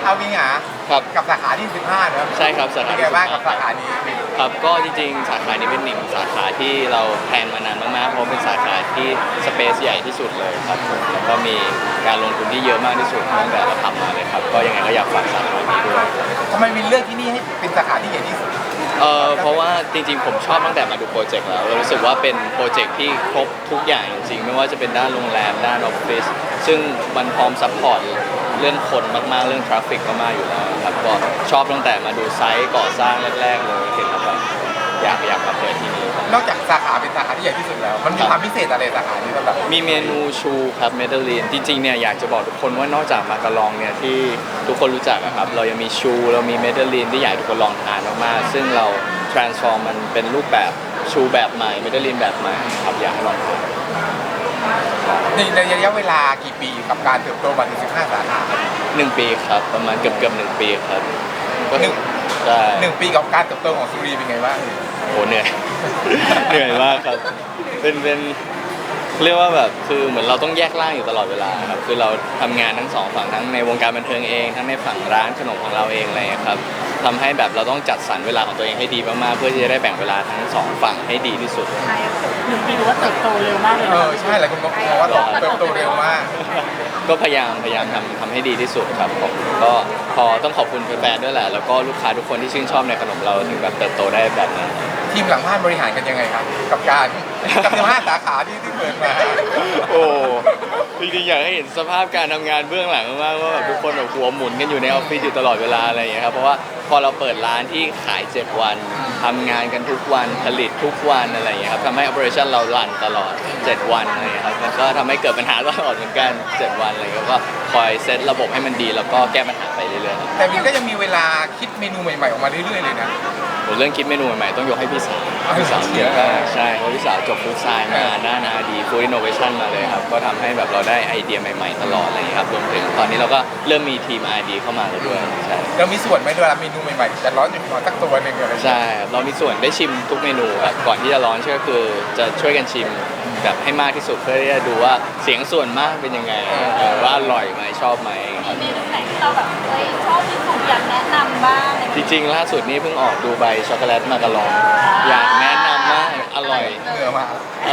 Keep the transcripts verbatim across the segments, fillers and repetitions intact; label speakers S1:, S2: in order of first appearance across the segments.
S1: เอาวิงหา
S2: ครับ
S1: กับสาขาที่สิบห้าเนอะ
S2: ใช่ครับสาขา
S1: เป็นไงบ้างกับสาขานี้
S2: ครับก็จริงๆสาขานี้เป็นหนึ่งสาขาที่เราแพลนมานานมากๆเพราะเป็นสาขาที่สเปซใหญ่ที่สุดเลยครับผมแล้วก็มีการลงทุนที่เยอะมากที่สุดตั้งแต่เราทำมาเลยครับก็ยังไงก็อยากฝากสาขานี้ด้วย
S1: ทำไมวินเลือกที่นี่ให้เป็นสาขาที่ใหญ่ที่สุด
S2: เอ่อเพราะว่าจริงๆผมชอบตั้งแต่มาดูโปรเจกต์แล้วเรารู้สึกว่าเป็นโปรเจกต์ที่ครบทุกอย่างจริงๆไม่ว่าจะเป็นด้านโรงแรมด้านออฟฟิศซึ่งมันพร้อมซัพพอร์ตเรื่องคนมากๆเรื่องทราฟฟิกมากๆอยู่แล้วครับก็ชอบตั้งแต่มาดูไซต์ก่อสร้างแรกๆเลยเห็นแล้วแบบอยากอยากมาเปิดที่นี่
S1: นอกจากสาขาเป็นสาขาที่ใหญ่ที่สุดแล้วมันมีความพิเศษอะไรสาขานี้สำหรับ
S2: มีเมนูชูครับเมดัลลินจริงๆเนี่ยอยากจะบอกทุกคนว่านอกจากมาการองเนี่ยที่ทุกคนรู้จักครับเรายังมีชูเรามีเมดัลลินที่อยากให้ทุกคนลองทานมากๆซึ่งเรา transform มันเป็นรูปแบบชูแบบใหม่เมดัลลินแบบใหม่ครับอยากให้ลองทาน
S1: ในระยะเวลากี่ปีกับการเติบโตมาถึงสิบห้าสาขา
S2: หนึ่งปีครับประมาณเกือบเกือบหนึ่งปีครับ
S1: หนึ่ง
S2: ใช่
S1: หนึ่งปีกับการเติบโตของซูรีเป็นไงบ้าง
S2: โหเหนื่อย เหนื่อยมากครับเป็นเป็นเรียกว่าแบบคือเหมือนเราต้องแยกร่างอยู่ตลอดเวลาครับคือเราทำงานทั้งสองฝั่งทั้งในวงการบันเทิงเองทั้งในฝั่งร้านขนมของเราเองอะไรครับทำให้แบบเราต้องจัดสรรเวลาของตัวเองให้ดีมากๆเพื่อที่จะได้แบ่งเวลาทั้งสองฝั่งให้ดีที่สุด
S3: ใช่หนึ่งปีดูว่าเติบโตเร็วมากเลย
S1: เออใช่หลายคนบอกว่าเติบโตเร็วมาก
S2: ก็พยายามพยายามทำทำให้ดีที่สุดครับผมก็พอต้องขอบคุณแฟนๆด้วยแหละแล้วก็ลูกค้าทุกคนที่ชื่นชอบในขนมเราถึงแบบเติบโตได้แบบนั้น
S1: ทีมหลังบ้านบริหารกันยังไงครับกับการกับสิบห้าสาขาที่ที่เปิดมา
S2: โอ้จริงๆอยากให้เห็นสภาพการทำงานเบื้องหลังมากๆว่าแบบทุกคนแบบหัวหมุนกันอยู่ในออฟฟิศอยู่ตลอดเวลาอะไรอย่างเงี้ยครับเพราะว่าพอเราเปิดร้านที่ขายเจ็ดวันทำงานกันทุกวันผลิตทุกวันอะไรอย่างเงี้ยครับทำให้ operation เรารันตลอดเจ็ดวันอะไรอย่างเงี้ยครับแล้วก็ทำให้เกิดปัญหาตลอดเหมือนกันเจ็ดวันอะไรอย่างเงี้ยก็คอยเซตระบบให้มันดีแล้วก็แก้ปัญหาไปเรื่อยๆ
S1: แต่วินก็ยังมีเวลาคิดเมนูใหม่ๆออกมาเรื่อยๆเลยนะ
S2: เรื่องคิดเมนูใหม่ๆต้องยกให้พี่สาวพี่สาวเยอะมากใช่เพราะพี่สาวจบฟู้ดไซน์มาด้านอาร์ดีฟู้ดอินโนเวชั่นมาเลยครับก็ทำให้แบบเราได้ไอเดียใหม่ๆตลอดอะไรอย่างเงี้ยครับรวมถึงตอนนี้เราก็เริ่มมีทีม อาร์ ดี เข้ามาแล้วด้วยใช่
S1: เรามีส่วนไหมเวลาเมนูใหม่ๆจะร้อนอยู่ขอสักตัวหนึ่งอะไร
S2: ใช่เรามีส่วนได้ชิมทุกเมนูครับก่อนที่จะร้อนก็คือจะช่วยกันชิมแบบให้มากที่สุดเพื่อที่จะดูว่าเสียงส่วนมากเป็นยังไงว่าอร่อยไหมชอบไหมครับ
S3: มีเมนูไหนที่เราแบบเฮ้ยชอบที่สุดอยากแนะนำบ้าง
S2: จริงๆล่าสุดนี้เพิ่งออกดูใบช็อกโกแลตมาการองอยากแนะนำมากอร่อย
S1: เหนื่อยมาก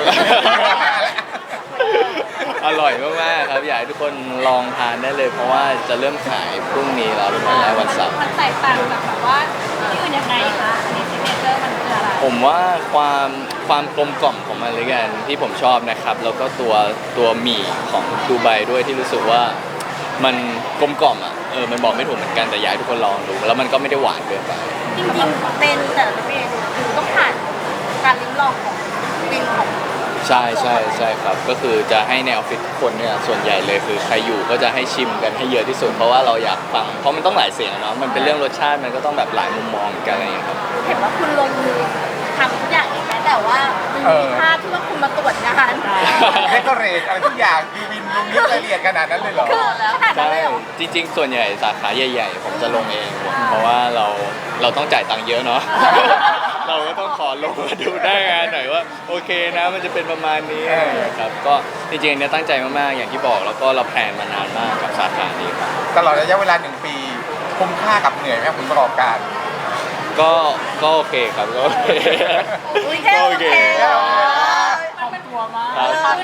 S2: อร่อยมากๆครับอยากให้ทุกคนลองทานได้เลยเพราะว่าจะเริ่มขายพรุ่งนี้แล้วเป็นวันแรกวันเสาร์
S3: มันแตกต่างจากแบบว่าที่อื่นยังไงคะอันนี้ซิกเนเจอร์มันคืออะไร
S2: ผมว่าความความกลมกล่อมของมันเลยกันที่ผมชอบนะครับแล้วก็ตัวตัวหมี่ของดูไบด้วยที่รู้สึกว่ามันกลมกล่อมอ่ะเออมันบอกไม่ถูกเหมือนกันแต่อยากให้ทุกคนลองดูแล้วมันก็ไม่ได้หวานเกินไป
S3: จริงๆเป็นแต่ละเมนูคือต้องผ่านการลิ้มลองของวินของ
S2: ใช่ใช่ใช่ครับก็คือจะให้ในออฟฟิศทุกคนเนี่ยส่วนใหญ่เลยคือใครอยู่ก็จะให้ชิมกันให้เยอะที่สุดเพราะว่าเราอยากฟังเพราะมันต้องหลายเสียงเนาะมันเป็นเรื่องรสชาติมันก็ต้องแบบหลายมุมมองกันอะไรอย่างเงี้ยครับ
S3: เห็นว่าคุณลงมือทำทุกอย่างเองไหมแต่ว่ามันมีภาพที่ว่าคุณมาตรวจงาน
S1: เดคอเรทอะไรทุกอย่างคือวินลงนี้ละเอียดขนาดนั้นเลยเหรอ
S3: ขนาดนั้นเลยเหรอ
S2: จริงๆส่วนใหญ่สาขาใหญ่ๆผมจะลงเองเพราะว่าเราเราต้องจ่ายตังค์เยอะเนาะเราก็ต้องขอลงมาดูได้งานหน่อยว่าโอเคนะมันจะเป็นประมาณนี้ครับก็จริงๆอันนี้ตั้งใจมากๆอย่างที่บอกแล้วก็เราแพลนมานานมากกับสาขานี้ครับ
S1: ตลอดระยะเวลาหนึ่งปีคุ้มค่ากับเหนื่อยไหมผลประกอบการ
S2: ก็ก็โอเคครับก็โอเค
S3: ก็โอเคขอบตัวมาก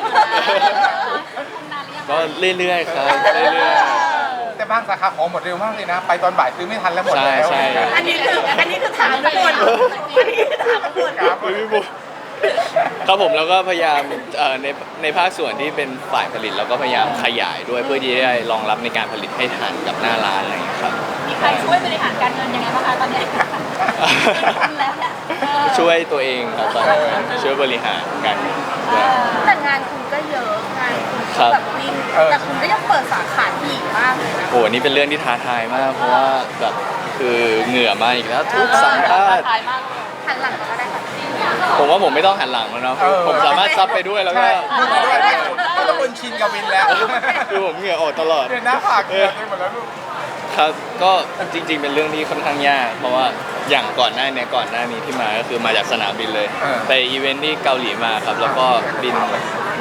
S2: ก็เรื่อยๆครับเรื่อยๆ
S1: แต่บางสาขาของหมดเร็วมากเลยนะไปตอนบ่ายซื้อไม่ทันแล้วหมดแล้ว
S2: ใช่
S3: อันนี้คืออันนี้คือถามทุกคนอันนี้คือถามทุกคน
S2: ครับครับผมแล้วก็พยายามในในภาคส่วนที่เป็นฝ่ายผลิตเราก็พยายามขยายด้วยเพื่อที่จะได้รองรับในการผลิตให้ทันกับหน้าร้านอะไรอย่างเงี้ยครับ
S3: มีใครช่วยบริหารการเงินยังไงบ้างคะตอนนี้แล้วเนี่ย
S2: ช่วยตัวเองครับตอนนี้ช่วยบริหารกัน
S3: แต่งานคุณก็เยอะงานคุณแบบวิ่งแต่คุณก็ยังเปิดสาขาอีกมากเลยนะ
S2: โอ้นี่เป็นเรื่องที่ท้าทายมากเพราะว่าแบบคือเหงื่อมาอีกแล้วทุกสัมภาษณ์
S3: หันหลังก็ได้ค่ะ
S2: ผมว่าผมไม่ต้องหันหลังแล้วเนาะผมสามารถซับไปด้วยแล้วก็
S1: พูดไปด้วยก็ต้องคนชินกับวินแล้ว
S2: คือผมเหงื่อออกตลอด
S1: เนี่ยหน้าผากเกินไปหมดแล้วลูก
S2: ครับก็จริงๆเป็นเรื่องที่ค่อนข้างยากเพราะว่าอย่างก่อนหน้านี้ก่อนหน้านี้ที่มาก็คือมาจากสนามบินเลยไปอีเวนท์ที่เกาหลีมาครับแล้วก็บินบ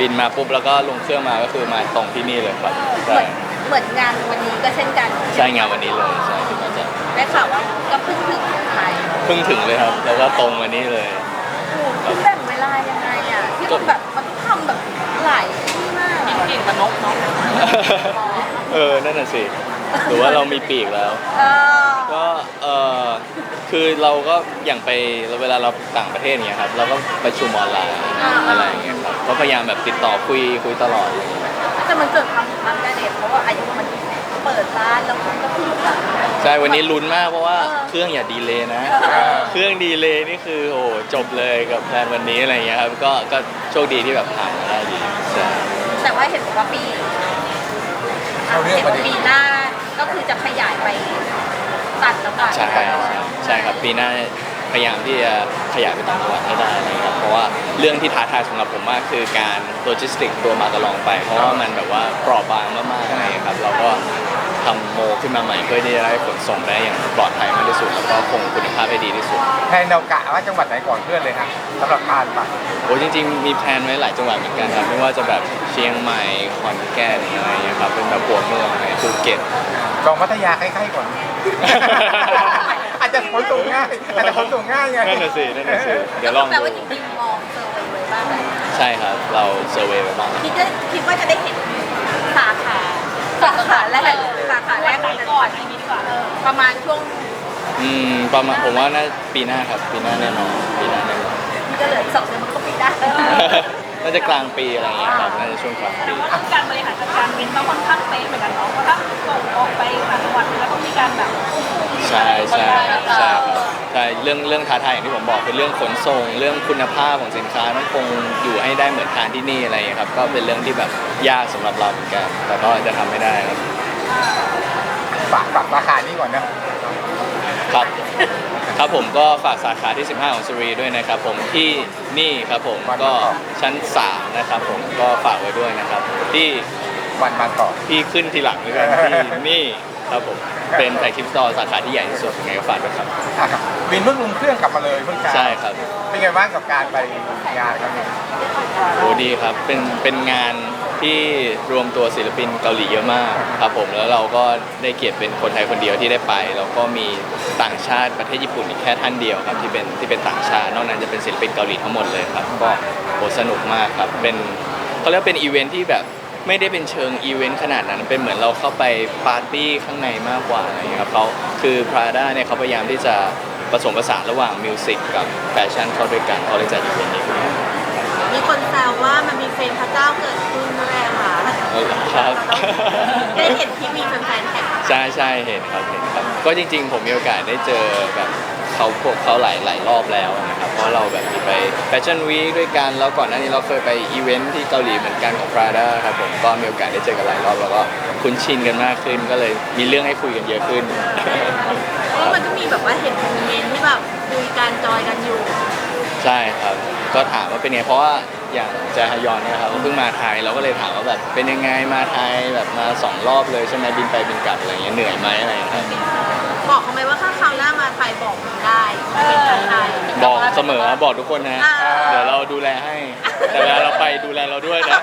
S2: บินมาปุ๊บแล้วก็ลงเครื่องมาก็คือมาตรงที่นี่เลยครับ
S3: เห
S2: ใช่
S3: มือนเหมือนงานวันนี้ก็เช่นกัน
S2: ใช่งานวันนี้เลยใช่ที่มาจาก
S3: ได้ข่าวว่าก็เพิ่งถึงไทย
S2: เพิ่งถึงเลยครับแล้วก็ตรงมานี่เลย
S3: โอ้โหคุณแบ่งเวลายังไงอ่ะที่มันแบบมันต้องทำแบบหลายที่มากอะเก่งกับนกเนาะ
S2: เออนั่นน่ะสิหรือว่าเรามีปีกแล้ว
S3: เออ
S2: ก็เออคือเราก็อย่างไปเวลาเราต่างประเทศเนี้ยครับเราก็ประชุมออนไลน์อะไรอย่างเงี้ยครับก็พยายามแบบติดต่อคุยคุยตลอดเลย
S3: แต่มันเกิดความความกระเด็นเพราะว่าอายุมันเปิดร้านแล้วคุณก็เพิ่งแบบ
S2: ใช่วันนี้ลุ้นมากเพราะว่า
S3: เออ
S2: เครื่องอย่าดีเลยนะ
S3: เออ
S2: เครื่องดีเลยนี่คือโอ้จบเลยกับแพลนวันนี้อะไรอย่างเงี้ยครับก็ก็โชคดีที่แบบผ่านมาได้ดีใช่
S3: แต่ว่าเห็นบอกว่าปี
S1: เอาเรื่อง
S3: เห็น
S1: ประ
S3: ว่า
S1: เด็น
S3: ปีหน้าก็คือจะขยายไปตัดแล้วกัน
S2: ใช่ใช่ใช่ครับปีหน้าพยายามที่จะขยายไปต่างจังหวัดให้ได้นะครับเพราะว่าเรื่องที่ท้าทายสำหรับผมมากคือการโลจิสติกตัวมากระลองไป เพราะว่ามันแบบว่าเปราะบางมากๆอะไรอย่างเงี้ยครับเราก็ทำโมขึ้นมาใหม่เพื่อที่จะได้ขนส่งได้อย่างปลอดภัยมากที่สุดแล้วก็คงคุณภาพให้ดีที่สุด
S1: แทนเรากะว่าจังหวัดไหนก่อนเพื่อนเลยฮะสำหรับการไป
S2: โอ้จริงๆมีแพลนไว้หลายจังหวัดเหมือนกันครับไม่ว่าจะแบบเชียงใหม่ขอนแก่นอะไรอย่างเงี้ยครับเป็นแบบหัวเมืองอะไรภูเก็ต
S1: ลองพัทยาใกล้ๆก่อน อาจจะขนส่งง่ายอาจจะขนส่งง่ายไง
S2: นั่นน่ะสินั่นน่ะสิเดี๋ยวลอง
S3: แปล
S2: ดู
S3: ว่าจริงๆมองเซอร์เวย์ไว้บ้างไหม
S2: ใช่ครับเราเซอร์เวย์ไปบ้าง
S3: คิดว่าคิดว่าจะได้เห็นสาขาสาขาแรกสาขาแรกของจังหวัดนี้ดีกว่าเออประมาณช่วง
S2: อืมประมาณผมว่าน่าปีหน้าครับปีหน้าแน่นอนปีหน้าแน่นอน
S3: นี่ก็เหลืออีกสองเดือนมันก็ปิดได้
S2: น่าจะกลางปีอะไรอย่างเงี้ยครับน่าจะช่วงกลางปี
S4: ว่าการบริหารจัดการบินต้องค่อนข้างเป๊ะเหมือนกันเนาะเพราะถ้าส่งออกไปต่างจังหวัดแล้วต้องมีการแบบ
S2: ใช่ใช่ใช่ครับใช่เรื่องเรื่องท้าทายอย่างที่ผมบอกคือเรื่องขนส่ง เรื่องคุณภาพของสินค้าต้องคงอยู่ให้ได้เหมือนทานที่นี่อะไรอย่างเงี้ยครับก็เป็นเรื่องที่แบบยากสำหรับเราเหมือนกันแต่ก็จะทำให้ได้ครับ
S1: ฝากฝากราคานี้ก่อนนะ
S2: ครับ ครับผมก็ฝากสาขาที่ สิบห้า ของสุรีด้วยนะครับผมที่นี่ครับผมก็ชั้นสามนะครับผมก็ฝากไว้ด้วยนะครับที่
S1: วันมาต่อ
S2: ที่ขึ้นทีหลังด้วยกันที่นี่ครับผมเป็นแฟลกชิพสโตร์สาขาที่ใหญ่ที่สุดยังไงก็ฝากด้วยครับ
S1: อ่ะครับบินเพิ่งลงเครื่องกลับมาเลยเพิ่งกลับ
S2: ใช่ครับ
S1: เป็นไงบ้างกับการไปงานครั้งนี้
S2: โอ้ดีครับเป็นเป็นงานที่รวมตัวศิลปินเกาหลีเยอะมากครับผมแล้วเราก็ได้เกียรติเป็นคนไทยคนเดียวที่ได้ไปแล้วก็มีต่างชาติประเทศญี่ปุ่นอีกแค่ท่านเดียวครับที่เป็นที่เป็นต่างชาตินอกนั้นจะเป็นศิลปินเกาหลีทั้งหมดเลยครับก็โหสนุกมากครับเป็นเขาเรียกว่าเป็นอีเวนท์ที่แบบไม่ได้เป็นเชิงอีเวนต์ขนาดนั้นเป็นเหมือนเราเข้าไปปาร์ตี้ข้างในมากกว่าอะไรอย่างเงี้ยครับเขาคือ Prada เนี่ยเขาพยายามที่จะผสมผสานระหว่างมิวสิกกับแฟชั่นเข้าด้วยกันเขาเลยจัดอีเวนต์นี้ขึ้นมา
S3: มีคนแซวว่ามันมีเฟรมพระเจ้าเกิดขึ้นด้วยอะค่ะ
S2: เออครับ
S3: ได้เห็นที่มีแฟนๆแท็ก
S2: ใช่ใช่เห็นครับเห็นครับก็จริงๆ ผมมีโอกาสได้เจอแบบเขาพวกเขาหลายหลายรอบแล้วนะครับเพราะเราแบบมีไปแฟชั่นวีคด้วยกันแล้วก่อนหน้านี้เราเคยไปอีเวนท์ที่เกาหลีเหมือนกันของ Prada ครับผมก็มีโอกาสได้เจอกันหลายรอบแล้วก็คุ้นชินกันมากขึ้น ก็เลยมีเรื่องให้คุยกันเยอะขึ้น
S3: เพราะมันก็มีแบบว่าเห็นโมเมนต์ที่แบบคุยกันจอยกันอยู่
S2: ใช่ครับก็ถามว่าเป็นไงเพราะว่าอย่างแจฮยอนเนี่ยครับเขาเพิ่งมาไทยเราก็เลยถามว่าแบบเป็นยังไงมาไทยแบบมาสองรอบเลยใช่ไหมบินไปบินกลับอะไรเงี้ยเหนื่อยไหมอะไรอย่างเงี้ยครับ
S3: บอกเขาไหมว่าถ้าคราวหน้ามาไทยบอกผมได้เป็นทางไทย
S2: บอกเสมอบอกทุกคนนะ
S3: อ่า
S2: เดี๋ยวเราดูแลให้ แต่เวลาเราไปดูแลเราด้วยนะ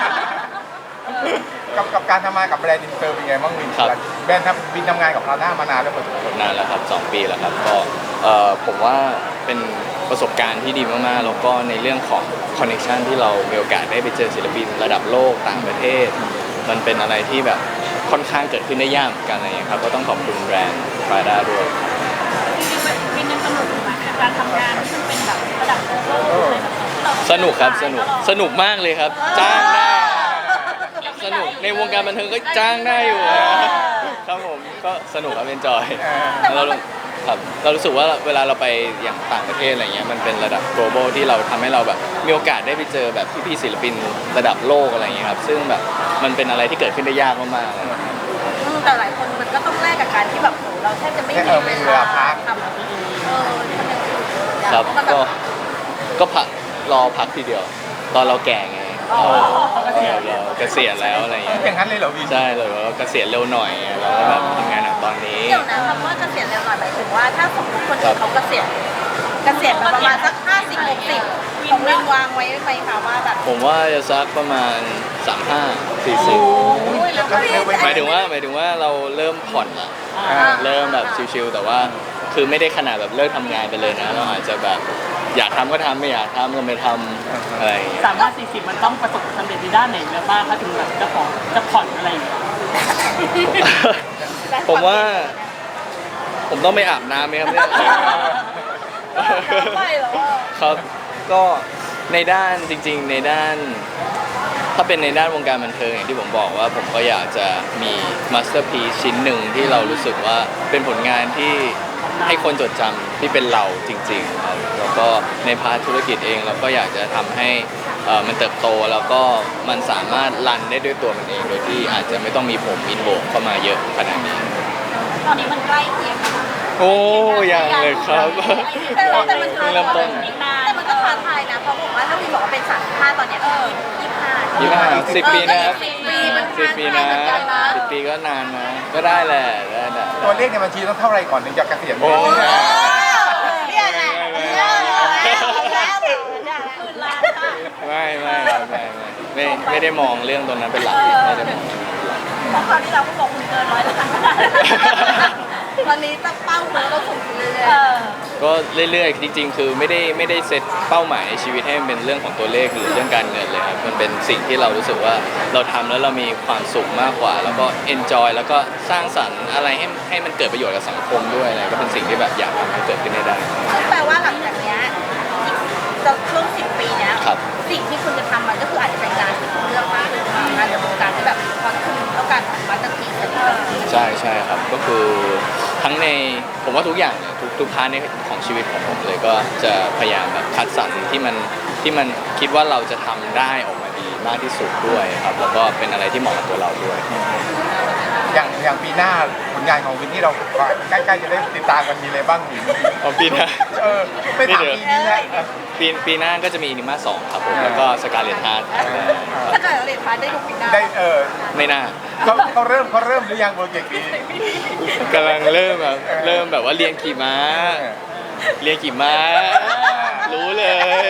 S1: กับกับการทำงานกับแบรนด์อินเตอร์เป็นไงบ้างวิน
S2: ครับ
S1: แบรนด์ทำบินทำงานกับเราหน้ามานานแล้วพอสมควร
S2: นานแล้วครับสองปีแล้วครับก็เอ่อผมว่าเป็นประสบการณ์ที่ดีมากๆแล้วก็ในเรื่องของคอนเน t ชันที่เรามีโอกาสได้ไปเจอศิลปินระดับโลกต่างประเทศ มันเป็นอะไรที่แบบค่อนข้างเกิดขึ้นได้ยากเหมือนกันอะไรอย่างเงี้ยครับก็ต้องขอบคุณแบรนด์ Prada ด้วย
S4: จริงๆแบบบินยังสนุกอยู่ไหมกับการทำงานที่มันเป็นแบบระดับโลกอะไรแบบนี้ที่เรา
S2: สนุกครับสนุกสนุกมากเลยครับ จ้างได้ สนุกในวงการบันเทิงก็จ้างได้อยู่ครับผมก็สนุกครับเป็นจอยเราครับเรารู้สึกว่าเวลาเราไปอย่างต่างประเทศอะไรเงี้ยมันเป็นระดับ global ที่เราทำให้เราแบบมีโอกาสได้ไปเจอแบบพี่ๆศิลปินระดับโลกอะไรเงี้ยครับซึ่งแบบมันเป็นอะไรที่เกิดขึ้นได้ยากมากๆเลย
S3: อืมแต่หลายคนมันก็ต้องแลกกับการที่แบบโหเราแทบจะไม่มีเวลาทำเออทำอย่างอื่นเลยอะ
S2: ครับ
S3: มันแบ
S2: ก็
S3: บ
S2: ก็พักรอพักทีเดียว ตอนเราแก่ไง
S3: อ๋อ
S2: เราเราเกษียณแล้วอะไรเงี้ย
S1: อย่างนั้นเลยเหรอวิน
S2: ใช่เลยว่าเกษียณเร็วหน่อยเราก็แบบทำงานหนักตอนนี้
S3: เดี๋ยวนะคำว่าเกษียณเร็วหน่อยหมายถึงว่าถ้าสมมติคนอื่นเขาเกษียณเกษียณมาประมาณสักห้าสิบหกสิบของวินวางไว้ไหมคะว่าแบบ
S2: ผมว่าจะสักประมาณสามห้าสี่สิบ
S3: โอ้ยแล้วก็พี่
S2: หมายถึงว่าหมายถึงว่าเราเริ่มผ่อนละ
S1: อ่า
S2: เริ่มแบบชิลๆแต่ว่าคือไม่ได้ขนาดแบบเลิกทำงานไปเลยนะเราอาจจะแบบอยากทำก็ทำไม่อยากทำก็ไม่ทำอะไรอย่างเงี้ย
S5: สามารถสี่สิบมันต้องประสบความสำเร็จในด้านไหนแล้วบ้างคะถึงแบบจะขอจะผ่อนอะไรอย่างเงี้ย
S2: ผมว่า ผมต้องไปอาบน้ำไหมครับเนี่ย
S3: ไม่หรอ
S2: ครับก็ในด้านจริงๆในด้าน ถ้าเป็นในด้านวงการบันเทิงอย่างที่ผมบอกว่าผมก็อยากจะมีมาสเตอร์พีซชิ้นหนึ่งที่เรารู้สึกว่าเป็นผลงานที่ให้คนจดจำที่เป็นเราจริงๆครับแล้วก็ในพาร์ทธุรกิจเองเราก็อยากจะทำให้เอ่อมันเติบโตแล้วก็มันสามารถรันได้ด้วยตัวมันเองโดยที่อาจจะไม่ต้องมีผมอินโวเข้ามาเยอะขนาดนี้
S4: ตอนนี้มันใกล้เคียงกัน
S2: โอ้ยังเลยครับ
S3: แต่เราแต่มันท้า
S2: เริ่มต้
S3: ทาน ยแต่มันก็ท้าทายนะเพราะบอกว่าถ้าวินบอกว่าเป็นสามสิบห้าตอนเนี้ยเออยี่สิบห้า
S2: ยี่สิบห้าสิบปีนะครับ
S3: สิบปีมัน
S2: สิบปีนะ
S3: ท้าทายเหมือนกันนะ
S2: สิบปีก็นานนะ ก็ได้แหละได้แหละ
S1: ตัวเลขในบัญชีต้องเท่าไรก่อนถึงจะเกษียณ
S2: โอ้
S3: เนี่ยแหละเนี่ยแหละเนี่ยแหละ
S4: หมื่นล้านค่ะ
S2: ไม่ไม่ครับไม่ไม่ไม่ไม่ได้มองเรื่องตรงนั้นเป็นหลักไม่ได้มอง
S4: เพราะคราวที่เราก็บอกคุณเกินร้อยล้าน
S3: ตอนนี้ตั้งเป้าเลยเราสูงขึ้นเรื่อย
S4: เออ
S2: ก็เรื่อยๆจริง ๆ คือไม่ได้ไม่ได้เซตเป้าหมายในชีวิตให้มันเป็นเรื่องของตัวเลขหรือเรื่องการเงินเลยครับมันเป็นสิ่งที่เรารู้สึกว่าเราทำแล้วเรามีความสุขมากกว่า แล้วก็ enjoy แล้วก็สร้างสรรค์อะไรให้ให้มันเกิดประโยชน์กับสังคมด้วยอะไรก็เป็นสิ่งที่แบบอยากทำให้เกิดขึ้นให้ได้
S3: ๆซึ่งแปลว่าหลังจากเนี้ยจะช่วงสิบปีเนี้ย
S2: ครับ
S3: สิ่งที่คุณจะทำมันก็คืออาจจะเป็นงานที่คุณเลือกมากหรืองานในวงการที่แบบพอคุณต้องการทำมาสเตอร์พีซกันเลย
S2: ใช่ใช่ครับก็คือทั้งในผมว่าทุกอย่างเนี่ยทุกทุกพาร์ทในของชีวิตของผมเลยก็จะพยายามแบบคัดสรรที่มันที่มันคิดว่าเราจะทำได้ออกมาดีมากที่สุดด้วยครับแล้วก็เป็นอะไรที่เหมาะกับตัวเราด้วย
S1: อย่างอย่างปีหน้าผลงานของวินที่เราใกล้ๆจะได้ติดตามกันมีอะไรบ้างวิน
S2: ของปีหน้า
S1: เออไม่ถามปีนี้นะ
S2: ปีปีหน้าก็จะมีนิมาสองครับผมแล้วก็สกาเลตฮาร์ด
S3: ถ้าเกิดเราเรียนพาร์ทได้ดูปีหน้า
S1: ได้เออ
S2: ไม่น่า
S1: เขาเขาเริ่มเขาเริ่มหรือยังโปรเจกต์นี้
S2: กำลังเริ่มแบบเริ่มแบบว่าเรียนขี่ม้า เรียนขี่ม้า รู้เลย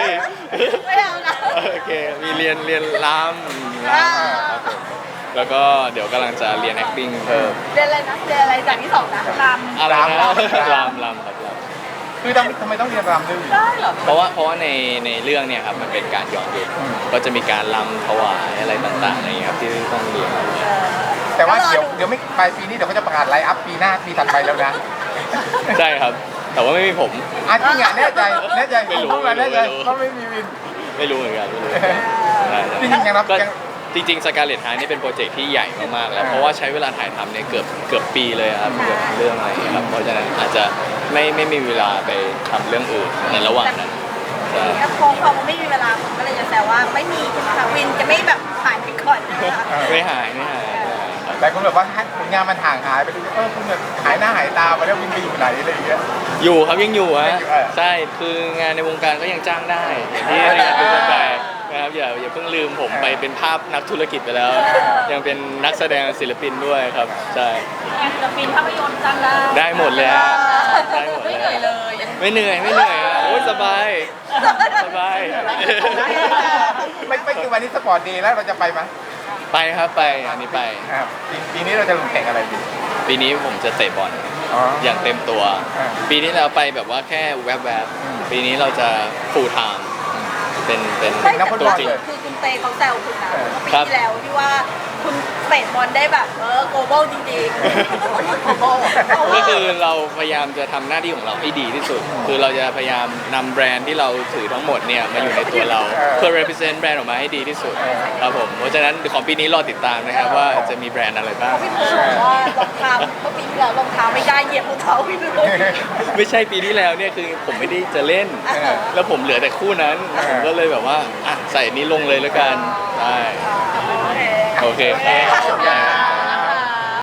S3: ไม่เอานะ
S2: โอเค มีเรียนเรียนรำ
S3: อ่า
S2: ครับผมแล้วก็เดี๋ยวกำลังจะเรียน acting เพิ่ม
S3: เรียนอะไรนะเรียนอะไรจากที่สองนะรำ
S2: อะไรนะ
S1: รำ
S2: รำรำครับรำ
S1: คือทำทำไมต้องเรียนรำด้วยวิน
S3: ได้เหรอ
S2: เพราะว่าเพราะว่าในในเรื่องเนี่ยครับมันเป็นการย้อนยุค
S1: อืม
S2: ก็จะมีการรำถวายอะไรต่างๆอะไรอย่างเงี้ยครับที่ต้องเรียน
S1: แต่ว่าเดี๋ยวเดี๋ยวไม่ปลายปีนี้เดี๋ยวเขาจะประกาศไลฟ์อัพปีหน้าปีถัดไปแล้วนะ
S2: ใช่ครับ แต่ว่าไม่มีผม
S1: อ่ะจริงอ่ะแน่ใจแน่ใจ
S2: ไม่รู้
S1: พูดมาแน่ใจ
S2: ไม่รู้
S1: เพราะไม่มีวิน
S2: ไม่รู้เหมือนกันไม่รู้เหมือนกันใช่
S1: จริงๆยังรับ
S2: ก็
S1: ยัง
S2: จริงๆสกาเลตฮาร์นี่เป็นโปรเจกต์ที่ใหญ่มากๆแล้วเพราะว่าใช้เวลาถ่ายทำเนี่ยเกือบเกือบปีเลยครับเกือบเรื่องอะไรอย่างเงี้ยครับเพราะฉะนั้นอาจจะไม่ไม่มีเวลาไปทำเรื่องอื่นในระหว่างนั้นใช่
S3: แล้วพอพอมันไม่มีเวลาผมก็เลยจะแซวว่าไม่มีใช่ไหมคะวินจะไม่แบบหายไปก่อนใช่ไหมคะ
S2: ไม่หายไม่หายไม่หายครับ
S1: แต่คนแบบว่าผลงานมันห่างหายไปเลยเออคุณแบบหายหน้าหายตาไปแล้ววินไปอยู่ไหนอะไรอย่างเงี้ย
S2: อยู่ครับยังอยู่ฮะ
S1: ยังอยู่เออ
S2: ใช่คืองานในวงการก็ยังจ้างได้อย่างที่ในงานทุกวงการนะครับอย่าอย่าเพิ่งลืมผมไปเป็นภาพนักธุรกิจไปแล้ว ยังเป็นนักแสดงศิลปินด้วยครับใช่
S4: งานศิลปินภาพยนตร์จ้างได้
S2: ได้หมดเลยฮะได้หมด
S3: ไม่
S2: เล
S3: เหนื่อย
S2: ย
S3: เลย
S2: ไม่เหนื่อยไม่เหนื่อยฮะโอ้ยสบายสบาย
S1: ไม่ไม่คือวันนี้สปอร์ตเดย์แล้วเราจะไปไหม
S2: ไปครับไปอันนี้ไป
S1: อ่าปีปีนี้เราจะลงแข่งอะไรดี
S2: ปีนี้ผมจะเตะบอล
S1: อ๋อ
S2: อย่างเต็มตัว
S1: อ่า
S2: ปีนี้เราไปแบบว่าแค่แวบ
S1: อืม
S2: ๆปีนี้เราจะ full time เป็นเป็น
S3: ไม่
S1: นักฟุต
S3: แต่
S1: บอล
S3: คือ
S1: เลย
S3: คือคุณเตเขาแซวคุณนะ
S1: เออ
S3: ปี
S2: ครับ
S3: ที่แล้วที่ว่าคุณเตะบอลได้แบบเออโกลบอลจริงๆ
S2: ก็คือเราพยายามจะทำหน้าที่ของเราให้ดีที่สุด คือเราจะพยายามนำแบรนด์ที่เราถือทั้งหมดเนี่ยมาอยู่ในตัวเรา
S1: เออ
S2: เพื่อ represent แบรนด์ออกมาให้ดีที่สุด
S1: เออ
S2: ครับผมเพราะฉะนั้นของปีนี้รอติดตามนะครับว่าจะมีแบรนด์อะไรบ้าง
S3: พี่เพิร์ลบอกว่ารองเท้าเมื่อปีที่แล้วรองเท้าไม่ได้เหยียบรองเท้าพี่เลย
S2: ไม่ใช่ปีที่แล้วเนี่ยคือผมไม่ได้จะเล่น
S3: เออ
S2: แล้วผมเหลือแต่คู่นั้น
S1: เออ
S2: ผมก็เลยแบบว่าอ่ะใส่อันนี้ลงเลยแล้วกันได้
S3: โอเค
S2: โอเคครับ